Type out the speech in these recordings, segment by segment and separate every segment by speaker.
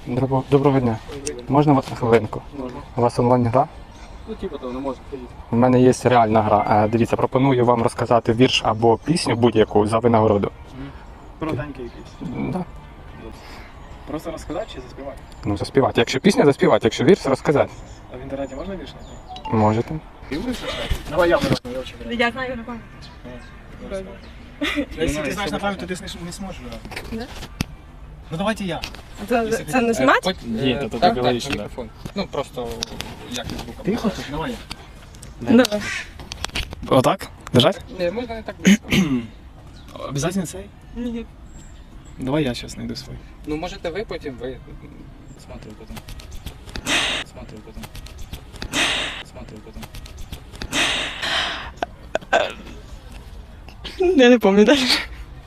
Speaker 1: Доброго дня. Можна вас на хвилинку?
Speaker 2: Можна.
Speaker 1: У вас онлайн-гра?
Speaker 2: Ну, типу того, не можна.
Speaker 1: У мене є реальна гра. Дивіться, пропоную вам розказати вірш або пісню будь-яку за винагороду.
Speaker 2: Коротенький якийсь.
Speaker 1: Да.
Speaker 2: Просто розказати чи заспівати?
Speaker 1: Ну, заспівати. Якщо пісня, заспівати. Якщо вірш, розказати.
Speaker 2: А в інтернеті можна вірш знайти?
Speaker 1: Можете.
Speaker 2: Давай я виразно, я вчора.
Speaker 3: Я знаю на пам'ять.
Speaker 2: Якщо ти знаєш на пам'ять, то ти не зможеш виразно. Ну давайте я.
Speaker 3: Це не знімати?
Speaker 4: Ні, то
Speaker 1: Так,
Speaker 4: так,
Speaker 1: так, мікрофон. Ну, просто як не звуком.
Speaker 2: Ти хочеш? Давай я.
Speaker 3: Давай.
Speaker 2: Отак? Держать?
Speaker 1: Ні, можна не так близько.
Speaker 2: Обязательно цей?
Speaker 3: Ні.
Speaker 2: Давай я зараз знайду свій.
Speaker 1: Ну, можете ви, потім ви.
Speaker 4: Смотрю потом. Смотрю потом. Смотрю потом.
Speaker 3: Я не пам'ятаю далі.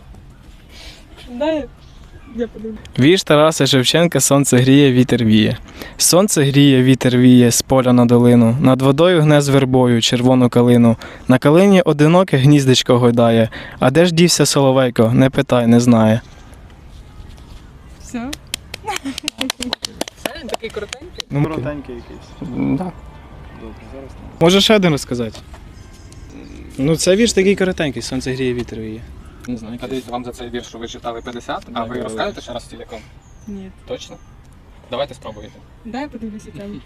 Speaker 3: Дай я подумаю.
Speaker 5: Вірш Тараса Шевченка «Сонце гріє, вітер віє». Сонце гріє, вітер віє з поля на долину. Над водою гне з вербою червону калину. На калині одиноке гніздечко гойдає. А де ж дівся соловейко? Не питай, не знає.
Speaker 3: Все?
Speaker 1: Це він такий коротенький.
Speaker 5: Ну,
Speaker 2: Коротенький якийсь.
Speaker 1: Да.
Speaker 2: Добре, зараз.
Speaker 5: може ще один розказати? Ну, це вірш такий коротенький. Сонце гріє, вітер віє.
Speaker 1: Не знаю. А дивіться, вам за цей вірш, що ви читали 50, а ви розкажете ще раз ціляком?
Speaker 3: Ні.
Speaker 1: Точно? Давайте спробуйте.
Speaker 3: Дай я подивлюся там.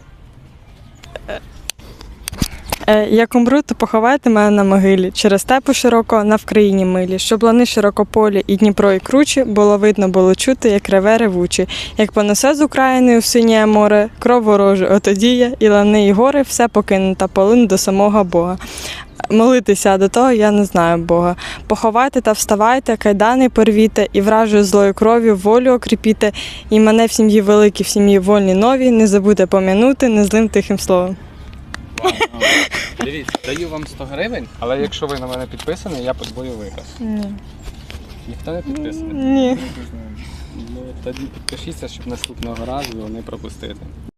Speaker 3: Як умру, то поховайте мене на могилі, через степу широко, на вкраїні милі, щоб лани широкополі і Дніпро, і кручі, було видно, було чути, як реве ревучі, як понесе з України у синє море, кров ворожу, отоді я, і лани, і гори, все покину та полину до самого Бога. Молитися до того я не знаю Бога. Поховайте та вставайте, кайдани порвіте, і вражою злою кров'ю волю окріпіте, і мене в сім'ї великій, в сім'ї вольні нові, не забудьте пом'янути незлим тихим словом.
Speaker 1: Дивіться, даю вам 100 гривень, але якщо ви на мене підписані, я подвою виграш.
Speaker 3: Ні.
Speaker 1: Ніхто не підписаний?
Speaker 3: Ні.
Speaker 1: Ну, тоді підпишіться, щоб наступного разу не пропустити.